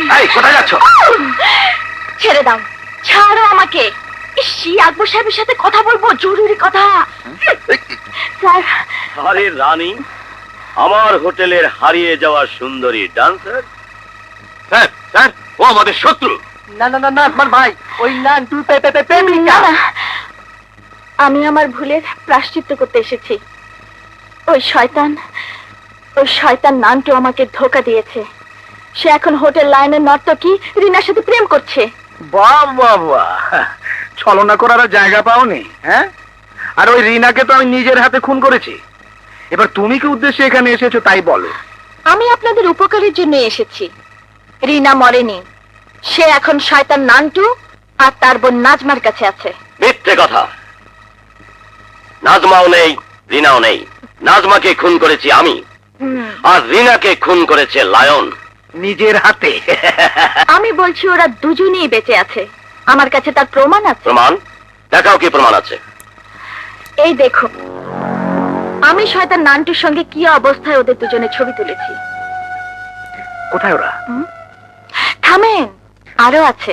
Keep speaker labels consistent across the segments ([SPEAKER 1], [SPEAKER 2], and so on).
[SPEAKER 1] এই কোথায় যাচ্ছ?
[SPEAKER 2] ছেড়ে দাও, ছাড়ো আমাকে। আকবর সাহেবের সাথে কথা বলবো, জরুরি কথা। স্যার।
[SPEAKER 3] আরে রানী, আমার হোটেলের হারিয়ে যাওয়া সুন্দরী ডান্সার।
[SPEAKER 1] স্যার স্যার, ও আমাদের শত্রু।
[SPEAKER 4] না না না না আকবর ভাই, ওই নান্টু প্রেমিকা।
[SPEAKER 2] আমি আমার ভুলের প্রায়শ্চিত্ত করতে এসেছি। ওই শয়তান নান্টু আমাকে ধোকা দিয়েছে। সে এখন হোটেল লাইনের নর্তকী রিনার সাথে প্রেম করছে।
[SPEAKER 1] বাহ বাহ বাহ, ছলনা করার আর জায়গা পাওনি, হ্যাঁ? আর ওই রিনাকে তো আমি নিজের হাতে খুন করেছি। এবার তুমি কি উদ্দেশ্যে এখানে এসেছো তাই বলো।
[SPEAKER 2] আমি আপনাদের উপকারের জন্য এসেছি। রিনা মরেনি, সে এখন শয়তান নান্টু আর তার বোন নাজমার কাছে আছে।
[SPEAKER 3] মিথ্যে কথা। নাজমাও নেই, রিনাও নেই। নাজমাকে খুন করেছি আমি, আর রিনাকে খুন করেছে লায়ন
[SPEAKER 1] নিজের হাতে।
[SPEAKER 2] আমি বলছি ওরা দুজনেই বেঁচে আছে। আমার কাছে তার প্রমাণ আছে।
[SPEAKER 3] প্রমাণ দেখাও, কি প্রমাণ আছে?
[SPEAKER 2] এই দেখো, আমি শয়তান নান্টুর সঙ্গে কি অবস্থায় ওদের দুজনের ছবি তুলেছি।
[SPEAKER 1] কোথায় ওরা?
[SPEAKER 2] থামেন, আরো আছে।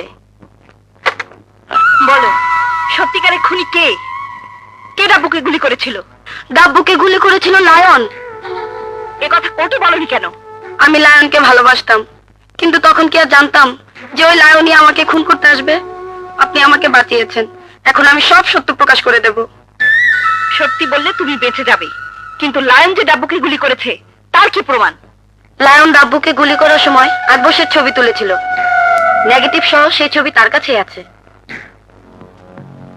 [SPEAKER 2] বলো, সত্যিকারের খুনি কে? কে ডাব্বুকে গুলি করেছিল? ডাব্বুকে গুলি করেছিল লায়ন। এ কথা কোর্টে বলনি কেন? আমি লায়নকে ভালোবাসতাম, কিন্তু তখন কি আর জানতাম যে ওই লায়নই আমাকে খুন করতে আসবে? আপনি আমাকে বাঁচিয়েছেন, এখন আমি সব সত্য প্রকাশ করে দেব। সত্যি বললে তুমি বেঁচে যাবে, কিন্তু লায়ন যে ডাব্বুকে গুলি করেছে তার কি প্রমাণ? লায়ন ডাব্বুকে গুলি করার সময় আকবর ছবি তুলেছিল, নেগেটিভ সহ সেই ছবি তার কাছেই আছে।